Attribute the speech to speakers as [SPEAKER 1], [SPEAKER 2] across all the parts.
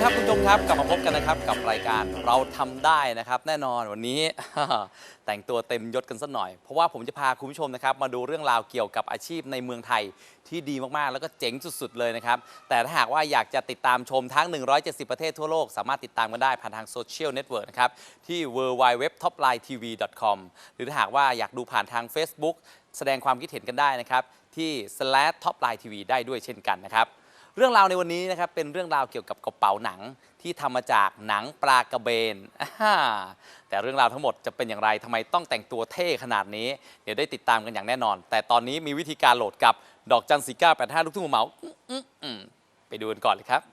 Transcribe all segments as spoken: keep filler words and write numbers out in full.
[SPEAKER 1] ครับคุณผู้ชมครับกลับมาพบกันนะครับกับรายการเราทำได้นะครับแน่นอนวันนี้ แต่งตัวเต็มยศกันสักหน่อยเพราะว่าผมจะพาคุณผู้ชมนะครับมาดูเรื่องราวเกี่ยวกับอาชีพในเมืองไทยที่ดีมากๆแล้วก็เจ๋งสุดๆเลยนะครับแต่ถ้าหากว่าอยากจะติดตามชมทั้งหนึ่งร้อยเจ็ดสิบประเทศทั่วโลกสามารถติดตามกันได้ผ่านทางโซเชียลเน็ตเวิร์กนะครับที่ ดับเบิลยู ดับเบิลยู ดับเบิลยู ดอท ท็อปไลน์ ที วี ดอท คอม หรือถ้าหากว่าอยากดูผ่านทาง Facebook แสดงความคิดเห็นกันได้นะครับที่ สแลช ท็อปไลน์ ที วี ได้ด้วยเช่นกันนะครับเรื่องราวในวันนี้นะครับเป็นเรื่องราวเกี่ยวกับกระเป๋าหนังที่ทำมาจากหนังปลากระเบนแต่เรื่องราวทั้งหมดจะเป็นอย่างไรทำไมต้องแต่งตัวเท่ขนาดนี้เดี๋ยวได้ติดตามกันอย่างแน่นอนแต่ตอนนี้มีวิธีการโหลดกับดอกจันสี่เก้าแปดห้าลูกทุ่งหัวเหมาไปดูกันก่อนเลยครับ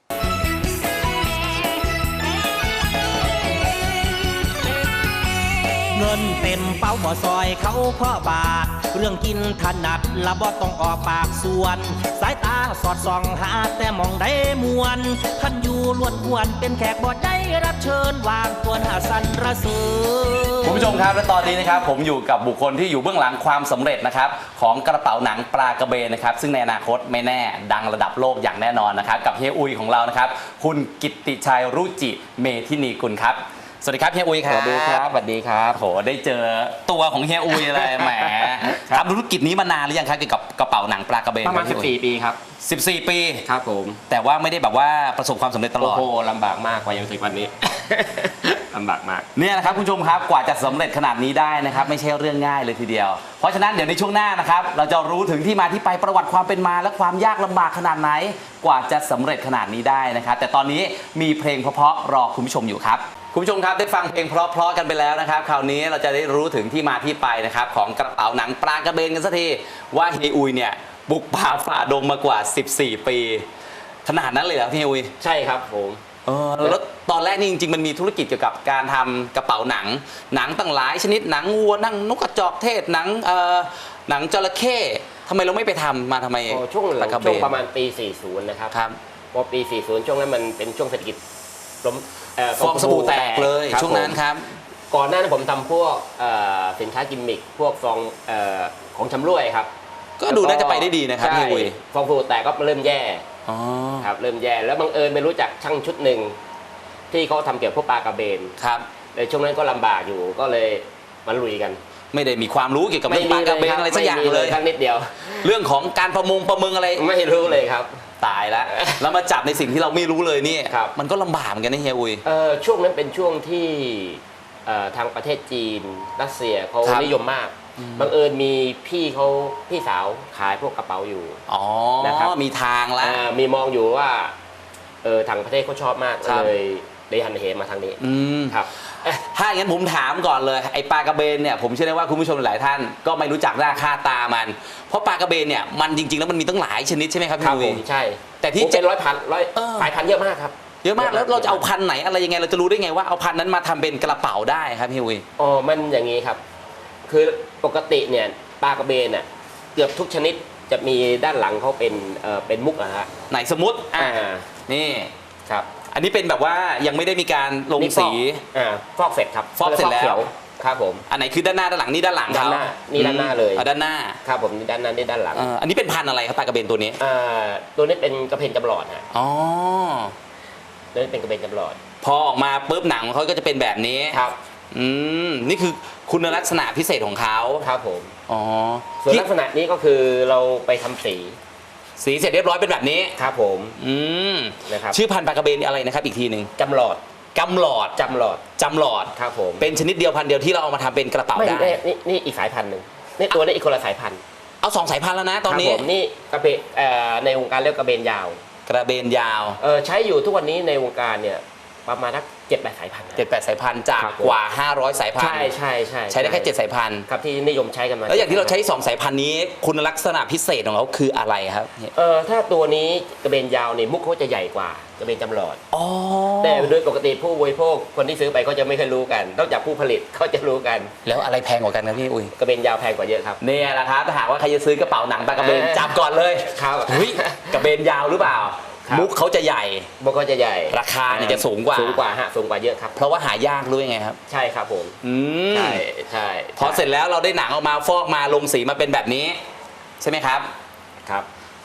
[SPEAKER 2] เงินเต็มเป้าบ่ซอยเขาพ่อบาทเรื่องกินถนัดละบ่ต้องออกปากส่วนสายตาสอดส่องหาแต่มองได้มวนขันอยู่ล้วนกวนเป็นแขกบ่ได้รับเชิญวางตัวหาสันระเสริญ
[SPEAKER 1] คุณผู้ชมครับและตอนนี้นะครับผมอยู่กับบุคคลที่อยู่เบื้องหลังความสำเร็จนะครับของกระเป๋าหนังปลากระเบนนะครับซึ่งในอนาคตไม่แน่ดังระดับโลกอย่างแน่นอนนะครับกับเฮียอุยของเรานะครับคุณกิตติชัยรุจิเมธินีกุลครับสวัสดีครับเฮียอุยครับ
[SPEAKER 3] สวัสดีครับสวัสดีครับ
[SPEAKER 1] โหได้เจอตัวของเฮียอุยเลยแหมทำธุรกิจนี้มานานหรือยังครับเกี่ยวกับกระเป๋าหนังปลากระเบน
[SPEAKER 3] ประมาณสิบสี่ปีครับ
[SPEAKER 1] สิบสี่ปี
[SPEAKER 3] ครับผม
[SPEAKER 1] แต่ว่าไม่ได้แบบว่าประสบความสำเร็จตลอด
[SPEAKER 3] โอ้โหลำบากมากกว่ายังถึงวันนี้ ลำบากมาก
[SPEAKER 1] เนี่ยนะครับคุณผู้ชมครับกว่าจะสำเร็จขนาดนี้ได้นะครับไม่ใช่เรื่องง่ายเลยทีเดียวเพราะฉะนั้นเดี๋ยวในช่วงหน้านะครับเราจะรู้ถึงที่มาที่ไปประวัติความเป็นมาและความยากลำบากขนาดไหนกว่าจะสำเร็จขนาดนี้ได้นะครับแต่ตอนนี้มีเพลงเพราะๆรอคุณผู้ชมอยู่ครับคุณผู้ชมครับได้ฟังเพลงเพราะๆกันไปแล้วนะครับคราวนี้เราจะได้รู้ถึงที่มาที่ไปนะครับของกระเป๋าหนังปลากระเบนกันสักทีว่าเฮียอุยเนี่ยบุกป่าฝ่าดงมากว่าสิบสี่ปีขนาดนั้นเลยเหรอพี่อุย
[SPEAKER 3] ใช่ครับผม
[SPEAKER 1] เออแล้วตอนแรกนี่จริงๆมันมีธุรกิจเกี่ยวกับการทำกระเป๋าหนังหนังตั้งหลายชนิดหนังวัวหนังนกกระจอกเทศหนังเอ่อหนังจระเข้ทำไมเราไม่ไปทำมาทำไม
[SPEAKER 3] ช่วงหลังช่วงประมาณปีสี่สิบนะครับ
[SPEAKER 1] ครับ
[SPEAKER 3] พอปีสี่สิบช่วงนั้นมันเป็นช่วงเศรษฐกิจล้ม
[SPEAKER 1] ฟองสบู่แตกเลยช่วงนั้นครับ
[SPEAKER 3] ก่อนหน้านั้นผมทำพวกสินค้ากิมมิคพวกฟองของชำร่วยครับ
[SPEAKER 1] ก็ดูน่าจะไปได้ดีนะครับพี่อุย
[SPEAKER 3] ฟองสบู่แตกก็เริ่มแย่ครับเริ่มแย่แล้วบังเอิญไปรู้จักช่างชุดหนึ่งที่เขาทำเกี่ยวกับพวกปลากระเบน
[SPEAKER 1] ครับ
[SPEAKER 3] ในช่วงนั้นก็ลำบากอยู่ก็เลยมาลุยกัน
[SPEAKER 1] ไม่ได้มีความรู้เกี่ยวกับเรื่องปลากระเบนอะไรสักอย่างเลย
[SPEAKER 3] ทั้งนิดเดียว
[SPEAKER 1] เรื่องของการประมงประมึงอะไร
[SPEAKER 3] ไม่รู้เลยครับ
[SPEAKER 1] ตายแล้วแล้วมาจับในสิ่งที่เราไม่รู้เลยนี่มันก็ลำบากเหมือนกันนะเฮียอุย
[SPEAKER 3] ช่วงนั้นเป็นช่วงที่ทางประเทศจีนรัสเซียเขานิยมมากบังเอิญมีพี่เขาพี่สาวขายพวกกระเป๋าอยู่
[SPEAKER 1] อ๋อ
[SPEAKER 3] นะครับ
[SPEAKER 1] มีทางแล้ว
[SPEAKER 3] มีมองอยู่ว่าเออทางประเทศเขาชอบมากเลยได้หันเหมาทางนี้ครับ
[SPEAKER 1] ถ้าอย่างนั้นผมถามก่อนเลยไอ้ปลากระเบนเนี่ยผมเชื่อได้ว่าคุณผู้ชมหลายท่านก็ไม่รู้จักหน้าค่าตามันเพราะปลากระเบนเนี่ยมันจริงๆแล้วมันมีตั้งหลายชนิดใช่ไหมครับพี่
[SPEAKER 3] อุ๋ย
[SPEAKER 1] ใ
[SPEAKER 3] ช่
[SPEAKER 1] แต่ที่
[SPEAKER 3] เป็นร้อยพันร้อยสายพันธุ์เยอะมากครับ
[SPEAKER 1] เยอะมากแล้วเราจะเอาพันธุ์ไหนอะไรยังไงเราจะรู้ได้ไงว่าเอาพันธุ์นั้นมาทำเป็นกระเป๋าได้ครับพี่อุ๋ย
[SPEAKER 3] อ๋อมันอย่างนี้ครับคือปกติเนี่ยปลากระเบนเนี่ยเกือบทุกชนิดจะมีด้านหลังเขาเป็นเอ่อเป็นมุกอะฮะ
[SPEAKER 1] ไหนสมมติอ่านี่
[SPEAKER 3] ครับ
[SPEAKER 1] อันนี้เป็นแบบว่ายังไม่ได้มีการลงสี
[SPEAKER 3] อ่าฟอกเสร็จครับ
[SPEAKER 1] ฟอกเสร็จแล้ว
[SPEAKER 3] ครับผม
[SPEAKER 1] อันไหนคือด้านหน้าด้านหลังนี่ด้านหลังเขา
[SPEAKER 3] นี่ด้านหน้าเลย
[SPEAKER 1] ด้านหน้า
[SPEAKER 3] ครับผมนี่ด้านหน้านี่ด้านหลัง
[SPEAKER 1] อันนี้เป็นพันธุ์อะไรครับปลากระเบนตัวนี้
[SPEAKER 3] อ่าตัวนี้เป็นกระเพนจำหลอดฮะ
[SPEAKER 1] อ๋อ
[SPEAKER 3] ตัวนี้เป็นกระเพนจำหลอด
[SPEAKER 1] พอออกมาปุ๊บหนังเขาก็จะเป็นแบบนี้
[SPEAKER 3] ครับ
[SPEAKER 1] อืมนี่คือคุณลักษณะพิเศษของเขา
[SPEAKER 3] ครับผม
[SPEAKER 1] อ๋อ
[SPEAKER 3] ส่วนลักษณะนี้ก็คือเราไปทำสี
[SPEAKER 1] สีเสร็จเรียบร้อยเป็นแบบนี้
[SPEAKER 3] ครับผม
[SPEAKER 1] อืม
[SPEAKER 3] นะครับ
[SPEAKER 1] ชื่อพันธุ์ปลากระเบนอะไรนะครับอีกทีหนึ่ง
[SPEAKER 3] จำหลอด
[SPEAKER 1] จำหลอด
[SPEAKER 3] จำหลอด
[SPEAKER 1] จำหลอด
[SPEAKER 3] ครับผม
[SPEAKER 1] เป็นชนิดเดียวพันธุ์เดียวที่เราเอามาทำเป็นกระเป๋าได้
[SPEAKER 3] นี่นี่อีกสายพันธุ์หนึ่งนี่ตัวนี้อีกคนละสายพันธุ์
[SPEAKER 1] เอาสองสายพันธุ์แล้วนะตอนนี้
[SPEAKER 3] ผมนี่กระเบนในวงการเรียกกระเบนยาว
[SPEAKER 1] กระเบนยาว
[SPEAKER 3] เออใช้อยู่ทุกวันนี้ในวงการเนี่ยประมาณสักเจ็ดแปดสายพันธุ์
[SPEAKER 1] เจ็ดแปดสายพันธุ์จากกว่าห้าร้อยสายพันธุ์
[SPEAKER 3] ใช่ใช่ใช่
[SPEAKER 1] ใช้ได้แค่เจ็ดสายพันธุ์
[SPEAKER 3] ครับที่นิยมใช้กันมา
[SPEAKER 1] แล้วอย่างที่เราใช้สองสายพันธุ์นี้คุณลักษณะพิเศษของเขาคืออะไรครับ
[SPEAKER 3] เออถ้าตัวนี้กระเบนยาวเนี่ยมุกเขาจะใหญ่กว่ากระเบนจำหลอด
[SPEAKER 1] อ๋อ
[SPEAKER 3] แต่โดยปกติผู้บริโภคคนที่ซื้อไปก็จะไม่เคยรู้กันนอกจากผู้ผลิตเขาจะรู้กัน
[SPEAKER 1] แล้วอะไรแพงกว่ากันครับพี่อุ้ย
[SPEAKER 3] กระเบนยาวแพงกว่าเยอะครับ
[SPEAKER 1] เนี่ยแหละครับถ้าหากว่าใครจะซื้อกระเป๋าหนังปลากระเบนจับก่อนเลย
[SPEAKER 3] ครับ
[SPEAKER 1] เฮ้ยกระเบนยาวหรือเปล่ามุกเขาจะใหญ่
[SPEAKER 3] มุกเขาจะใหญ่
[SPEAKER 1] ราคาเนี่ยจะสูงกว่า
[SPEAKER 3] สูงกว่าฮะสูงกว่าเยอะครับ
[SPEAKER 1] เพราะว่าหายากรู้ยังไงครับ
[SPEAKER 3] ใช่ครับผม
[SPEAKER 1] อืม
[SPEAKER 3] ใช่ใช่
[SPEAKER 1] พอเสร็จแล้วเราได้หนังออกมาฟอกมาลงสีมาเป็นแบบนี้ใช่ไหมครับ
[SPEAKER 3] ครับ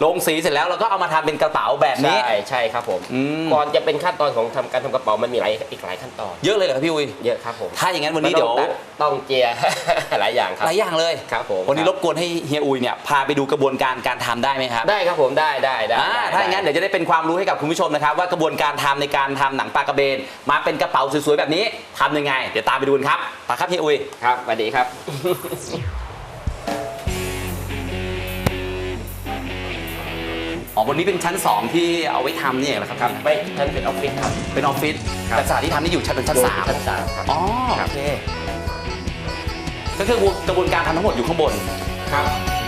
[SPEAKER 1] ลงสีเสร็จแล้วเราก็เอามาทำเป็นกระเป๋าแบบนี้
[SPEAKER 3] ใช่ใช่ครับผม
[SPEAKER 1] อืม
[SPEAKER 3] ก่อนจะเป็นขั้นตอนของทำการทำกระเป๋ามันมีหลายอีกหลายขั้นตอน
[SPEAKER 1] เยอะเลยเหรอครับพี่อุ้ย
[SPEAKER 3] เยอะครับผม
[SPEAKER 1] ถ้าอย่างนั้นวันนี้เดี๋ยว
[SPEAKER 3] ต้องต้องเจีย หลายอย่างครับ
[SPEAKER 1] หลายอย่างเลย
[SPEAKER 3] ครับผม
[SPEAKER 1] วันนี้รบกวนให้เฮียอุ้ยเนี่ยพาไปดูกระบวนการการทำได้ไหมครับ
[SPEAKER 3] ได้ครับผมได้ได้ได้
[SPEAKER 1] อ่า
[SPEAKER 3] ได้
[SPEAKER 1] ถ้าอย่างนั้นเดี๋ยวจะได้เป็นความรู้ให้กับคุณผู้ชมนะครับว่ากระบวนการทำในการทำหนังปลากระเบนมาเป็นกระเป๋าสวยๆแบบนี้ทำยังไงเดี๋ยวตามไปดูกันครับไปครับเฮียอุ้ย
[SPEAKER 3] ครับสวัสดีครับ
[SPEAKER 1] อ๋อวันนี้เป็นชั้นสองที่เอาไว้ทำนี่เองเหรอครับ
[SPEAKER 3] ครับไม่ท่านเป็นออฟฟิศครับ
[SPEAKER 1] เป็นออฟฟิศ
[SPEAKER 3] ครับ
[SPEAKER 1] แต่สถานที่ทำนี่อยู่ชั้นเป็นชั้นสาม
[SPEAKER 3] ชั้นสามครับ
[SPEAKER 1] อ๋อ
[SPEAKER 3] ครั
[SPEAKER 1] โอบ เคก็คือกระบวนการทำทั้งหมดอยู่ข้างบน
[SPEAKER 3] ครับ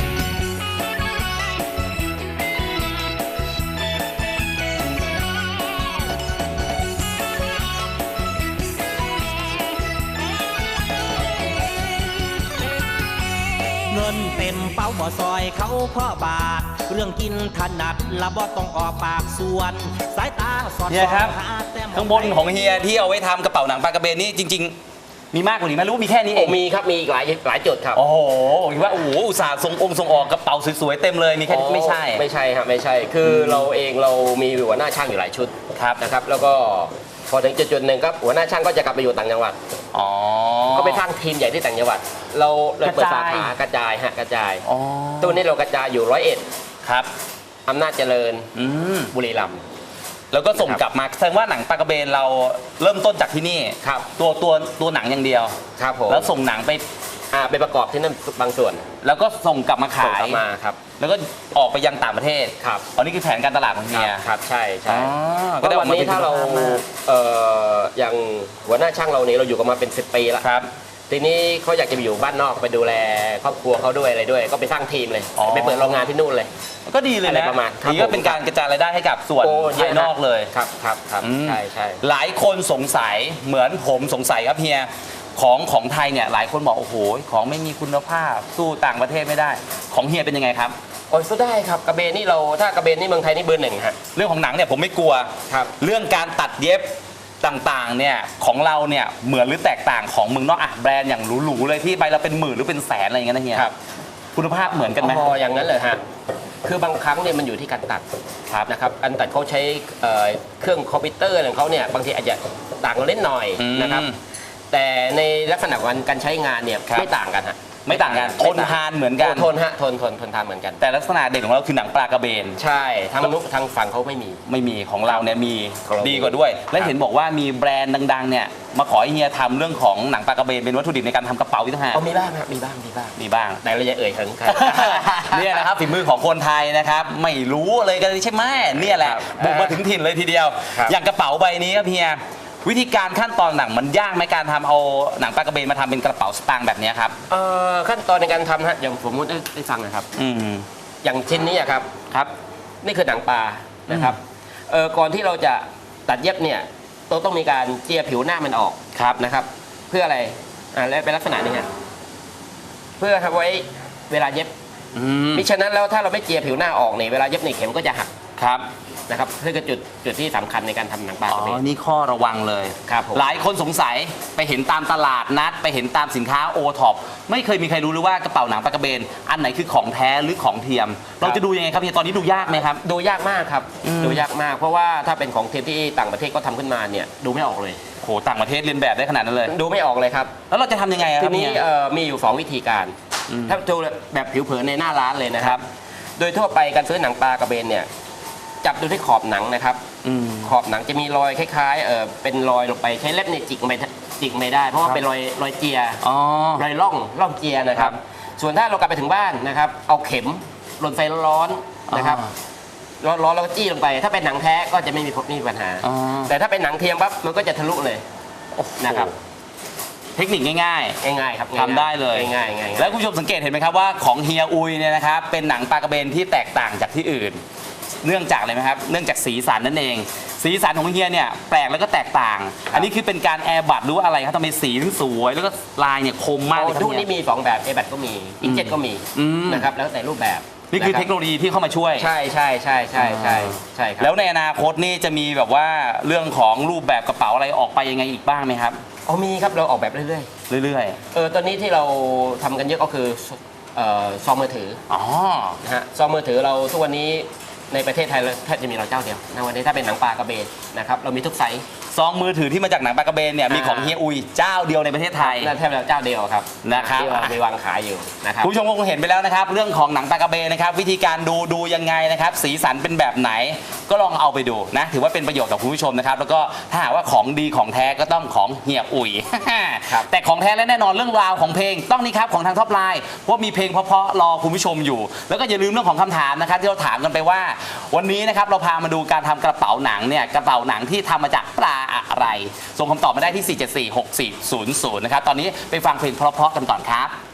[SPEAKER 2] เงินเต็มเป้าบ่ซอยเขาพ่อบาท เรื่องกินถนัดละบ่ต้องออกปากส่วน สายตาสอด
[SPEAKER 1] เฮี
[SPEAKER 2] ส่
[SPEAKER 1] ย
[SPEAKER 2] อง
[SPEAKER 1] ครับ
[SPEAKER 2] หาแต่ม
[SPEAKER 1] ข้างบนของเฮียที่เอาไว้ทำกระเป๋าหนังปลากระเบนนี่จริง ๆ มีมากกว่านี้ไหมหรือว่ามีแค่นี้เอ
[SPEAKER 3] โอ้
[SPEAKER 1] ง
[SPEAKER 3] มีครับมีอีกหลายหลายจุดครับ
[SPEAKER 1] โอ้โหคิดว่าโอ้โหอุตส่าห์ส่งองค์ส่งออกกระเป๋าสวยๆเต็มเลยมีแค่นี้ไม่ใช่
[SPEAKER 3] ไม่ใช่ครับไม่ใช่ คือเราเองเรามีหัวหน้าช่างอยู่หลายชุด
[SPEAKER 1] ครับ
[SPEAKER 3] นะครับ แล้วก็พอถึงจุดๆหนึ่งครับหัวหน้าช่างก็จะกลับไปอยู่ต่างจังหวัด
[SPEAKER 1] อ๋อ
[SPEAKER 3] ก็ไปสร้างทีมใหญ่ที่ต่างจังหวัด เราเราเปิด
[SPEAKER 1] กระ
[SPEAKER 3] สา
[SPEAKER 1] จาย
[SPEAKER 3] ขากระจายฮะกระจาย
[SPEAKER 1] อ๋อ
[SPEAKER 3] ตัวนี้เรากระจายอยู่ร้อยเอ็ด
[SPEAKER 1] ครับ
[SPEAKER 3] อำนาจเจริญ
[SPEAKER 1] อืม
[SPEAKER 3] บุรีรัมย์
[SPEAKER 1] แล้วก็ส่ง
[SPEAKER 3] ครับ
[SPEAKER 1] กลับมาแสดงว่าหนังปลากระเบนเราเริ่มต้นจากที่นี่
[SPEAKER 3] ครับ
[SPEAKER 1] ตัวตัวตัวหนังอย่างเดียว
[SPEAKER 3] ครับผม
[SPEAKER 1] แล้วส่งหนังไป
[SPEAKER 3] อ่าไปประกอบที่นั่นบางส่วน
[SPEAKER 1] แล้วก็ส่งกลับมา
[SPEAKER 3] ส่ง
[SPEAKER 1] ขาย
[SPEAKER 3] กลับมาครับ
[SPEAKER 1] แล้วก็ออกไปยังต่างประเทศ
[SPEAKER 3] ครับ
[SPEAKER 1] อันนี้คือแผนการตลาดของ
[SPEAKER 3] ค
[SPEAKER 1] เฮี
[SPEAKER 3] รับ
[SPEAKER 1] ย
[SPEAKER 3] ครับใช่ใช่
[SPEAKER 1] อ๋อ
[SPEAKER 3] ก็วันนี้ถ้าเรา
[SPEAKER 1] ก็ได้ออกมาเป็นคุณภาพมาก
[SPEAKER 3] เอ่ออย่างหัวหน้าช่างเราเนี่ยเราอยู่กันมาเป็นสิบปีแล้ว
[SPEAKER 1] ครับ
[SPEAKER 3] ทีนี้เขาอยากจะไปอยู่บ้านนอกไปดูแลครอบครัวเขาด้วยอะไรด้วย ก็ไปสร้างทีมเลย
[SPEAKER 1] อ๋อ
[SPEAKER 3] ไปเปิดโรงงานที่นู่นเลย
[SPEAKER 1] ก็ดีเลย
[SPEAKER 3] อะไร
[SPEAKER 1] นะ
[SPEAKER 3] ประมาณครับ
[SPEAKER 1] นี่ก็เป็นการกระจายรายได้ให้กับส่วน
[SPEAKER 3] โอ้เยอะ
[SPEAKER 1] ภายนอกเลย
[SPEAKER 3] ครับครับครับ
[SPEAKER 1] อืม
[SPEAKER 3] ใช่ใช่
[SPEAKER 1] หลายคนสงสัยเหมือนผมสงสัยครับเฮียของของไทยเนี่ยหลายคนบอกโอ้โหของไม่มีคุณภาพสู้ต่างประเทศไม่ได้ ของเฮียเป็นยังไงครับ
[SPEAKER 3] โอ้ยสู้ได้ครับกระเบนนี่เราถ้ากระเบนนี่เมืองไทยนี่เบอร์หนึ่งฮะ
[SPEAKER 1] เรื่องของหนังเนี่ยผมไม่กลัว
[SPEAKER 3] ครับ
[SPEAKER 1] เรื่องการตัดเย็บต่างๆเนี่ยของเราเนี่ยเหมือนหรือแตกต่างของเมืองนอกอ่ะแบรนด์อย่างหรูๆเลยที่ใบละเป็นหมื่นหรือเป็นแสนอะไรอย่างเงี้ยนะเฮีย
[SPEAKER 3] ครับ
[SPEAKER 1] คุณภาพเหมือนกันไหม
[SPEAKER 3] อ๋ออย่างนั้นเลยฮะคือบางครั้งเนี่ยมันอยู่ที่การตัด
[SPEAKER 1] ครับ
[SPEAKER 3] นะครับการตัดเขาใช้เอ่อเครื่องคอมพิวเตอร์ของเขาเนี่ยบางทีอาจจะต่างกันเล็กหน่อย
[SPEAKER 1] อืม
[SPEAKER 3] นะครับ แต่ในลักษณะการการใช้งานเนี่ย
[SPEAKER 1] ครับ
[SPEAKER 3] ไม่ต่างกันฮะ
[SPEAKER 1] ไม่ต่างกันทนทานเหมือนกัน
[SPEAKER 3] โทนฮะทนทนทนทานเหมือนกัน
[SPEAKER 1] แต่ลักษณะเด่นของเราคือหนังปลากระเบน
[SPEAKER 3] ใช่ทางนุทางฝั่งเขาไม่มี
[SPEAKER 1] ไม่มีของเราเนี่ยมี
[SPEAKER 3] ของเรามี
[SPEAKER 1] ดีกว่าด้วย และ
[SPEAKER 3] ครับ
[SPEAKER 1] เห็นบอกว่ามีแบรนด์ดังๆเนี่ยมาขอให้เฮียทำเรื่องของหนังปลากระเบนเป็นวัตถุดิบในการทำกระเป๋าอีกต่างหาก
[SPEAKER 3] เอามีบ้างครับมีบ้างมีบ้าง
[SPEAKER 1] มีบ้าง
[SPEAKER 3] แต่เราจะเอ่ยถึงใคร
[SPEAKER 1] เนี่ยนะครับฝีมือของคนไทยนะครับไม่รู้เลยกันใช่ไหมเนี่ยแหละ
[SPEAKER 3] ครับ
[SPEAKER 1] บุกมาถึงถิ่นเลยทีเดียว
[SPEAKER 3] ครับ
[SPEAKER 1] อย่างกระเป๋าใบนี้ครับเฮียวิธีการขั้นตอนหนังมันยากไหมการทำเอาหนังปลากระเบนมาทำเป็นกระเป๋าสตางค์แบบเนี้ยครับ
[SPEAKER 3] เอ่อขั้นตอนในการทำฮะอย่างผมได้ได้ฟังนะครับ
[SPEAKER 1] อืม
[SPEAKER 3] อย่างชิ้นนี้อะครับ
[SPEAKER 1] ครับ
[SPEAKER 3] นี่คือหนังปลานะครับเออก่อนที่เราจะตัดเย็บเนี่ยเราต้องมีการเจียผิวหน้ามันออก
[SPEAKER 1] ครับ
[SPEAKER 3] นะครับ เพื่ออะไรอ่าและเป็นลักษณะนี้ฮะเพื่อทำไว้เวลาเย็บ
[SPEAKER 1] อืม
[SPEAKER 3] มิฉะนั้นแล้วถ้าเราไม่เจียผิวหน้าออกเนี่ยเวลาเย็บเนี่ยเข็มก็จะหัก
[SPEAKER 1] ครับ
[SPEAKER 3] นะครับนี่คือจุดจุดที่สำคัญในการทำหนังปลา
[SPEAKER 1] อ๋
[SPEAKER 3] กระเบ
[SPEAKER 1] อน นี่ข้อระวังเลย
[SPEAKER 3] ครับผม
[SPEAKER 1] หลายคนสงสัยไปเห็นตามตลาดนัด ไปเห็นตามสินค้าโอท็อปไม่เคยมีใครรู้เลยว่ากระเป๋าหนังปลากระเบน อันไหนคือของแท้หรือของเทียม เราจะดูยังไงครับเฮียตอนนี้ดูยากไหมครับ
[SPEAKER 3] ดูยากมากครับ
[SPEAKER 1] อืม
[SPEAKER 3] ดูยากมาก เพราะว่าถ้าเป็นของเทียมที่ต่างประเทศก็ทำขึ้นมาเนี่ยดูไม่ออกเลย
[SPEAKER 1] โหต่างประเทศเรียนแบบได้ขนาดนั้นเลย
[SPEAKER 3] ดูไม่ออกเลยครับ
[SPEAKER 1] แล้วเราจะทำยังไงอะค
[SPEAKER 3] ที
[SPEAKER 1] รับ
[SPEAKER 3] นี้
[SPEAKER 1] เฮีย
[SPEAKER 3] เอ่อมีอยู่สองวิธีการ
[SPEAKER 1] อืม
[SPEAKER 3] ถ้าดูแบบผิวเผินในหน้าร้านเลยนะค
[SPEAKER 1] ครั
[SPEAKER 3] รับ
[SPEAKER 1] บ
[SPEAKER 3] โดยทั่วไปการซื้อหนังปลากระเบนเนี่ยจับดูที่ขอบหนังนะครับ
[SPEAKER 1] อืม
[SPEAKER 3] ขอบหนังจะมีรอยคล้ายๆเออเป็นรอยลงไปใช้เล็บเนี่ยจิกไม่จิกไม่ได้ เพราะว่า
[SPEAKER 1] ครับ
[SPEAKER 3] เป็นรอยรอยเจีย
[SPEAKER 1] อ๋อ
[SPEAKER 3] รอยร่องร่องเจียนะครับ
[SPEAKER 1] ครับ
[SPEAKER 3] ส่วนถ้าเรากลับไปถึงบ้านนะครับ เอาเข็มลนไฟร้อนๆนะครับ
[SPEAKER 1] อ๋อ
[SPEAKER 3] ร้อนๆแล้วก็จี้ลงไป ถ้าเป็นหนังแท้ก็จะไม่มีไม่มีปัญหา
[SPEAKER 1] อ๋อ
[SPEAKER 3] แต่ถ้าเป็นหนังเทียมปั๊บมันก็จะทะลุเลย
[SPEAKER 1] โอ้โห
[SPEAKER 3] นะครับ
[SPEAKER 1] เทคนิคง่าย
[SPEAKER 3] ง่ายๆครับ
[SPEAKER 1] ๆทำได้เลย
[SPEAKER 3] ง่ายๆง่ายๆ
[SPEAKER 1] แล้วคุณผู้ชมสังเกตเห็นไหมครับว่าของเฮียอุยเนี่ยนะครับเป็นหนังปลากระเบนที่แตกต่างจากที่อื่น เนื่องจากอะไรไหมครับเนื่องจากสีสันนั่นเอง สีสันของเฮียเนี่ยแปลกแล้วก็แตกต่าง อันนี้คือเป็นการแอร์บัตหรือว่าอะไรครับทำไมสีถึงสวยแล้วก็ลายเนี่ยคมมากเลยครับ
[SPEAKER 3] ทุก
[SPEAKER 1] เฮี
[SPEAKER 3] นี้
[SPEAKER 1] ย
[SPEAKER 3] มีสองแบบเอแบตก็มีอินเจ็ตก็มี
[SPEAKER 1] อืม
[SPEAKER 3] นะครับแล้วแต่รูปแบบ
[SPEAKER 1] นี่คือเทคโนโลยีที่เข้ามาช่วย
[SPEAKER 3] ใช่ใช่ใช่ใช่ใช่ใช่ครับ
[SPEAKER 1] แล้วในอนาคตนี่จะมีแบบว่าเรื่องของรูปแบบกระเป๋าอะไรออกไปยังไงอีกบ้างไหมครับ
[SPEAKER 3] อ๋อมีครับเราออกแบบเรื่อย
[SPEAKER 1] เรื่อย
[SPEAKER 3] ๆเออตอนนี้ที่เราทำกันเยอะก็คือเอ่อซองมือถือ
[SPEAKER 1] อ๋อ
[SPEAKER 3] นะฮะซองมือถือเราทุกวันนี้ในประเทศไทยเราแทบจะมีเราเจ้าเดียวนะวันนี้ถ้าเป็นหนังปลากระเบนนะครับเรามีทุกไซส์
[SPEAKER 1] ซองมือถือที่มาจากหนังปลากระเบนเนี่ยมีของเฮียอุยเจ้าเดียวในประเทศไทย
[SPEAKER 3] นั่นแทบจะเจ้าเดียวครับ
[SPEAKER 1] นะครับ
[SPEAKER 3] ที่เราไปวางขายอยู่นะครับ
[SPEAKER 1] คุณผู้ชมคงเห็นไปแล้วนะครับเรื่องของหนังปลากระเบนนะครับวิธีการดูดูยังไงนะครับสีสันเป็นแบบไหนก็ลองเอาไปดูนะถือว่าเป็นประโยชน์กับคุณผู้ชมนะครับแล้วก็ถ้าหากว่าของดีของแท้ก็ต้องของเฮียอุย
[SPEAKER 3] ครับ
[SPEAKER 1] แต่ของแท้และแน่นอนเรื่องราวของเพลงต้องนี่ครับของทางท็อปไลน์เพราะมีเพลงเพราะๆรอคุณผู้ชมอยู่ แล้วก็อย่าลืมเรื่องของคำถามนะครับที่เราถามกันไปว่า วันนี้นะครับเราพามาดูการทำกระเป๋าหนังเนี่ยกระเป๋าหนังที่ทำมาจากปลาอะไรส่งคำตอบมาได้ที่ สี่ เจ็ด สี่ หก สี่ ศูนย์ ศูนย์ นะครับตอนนี้ไปฟังเพลงเพราะๆกันก่อนครับ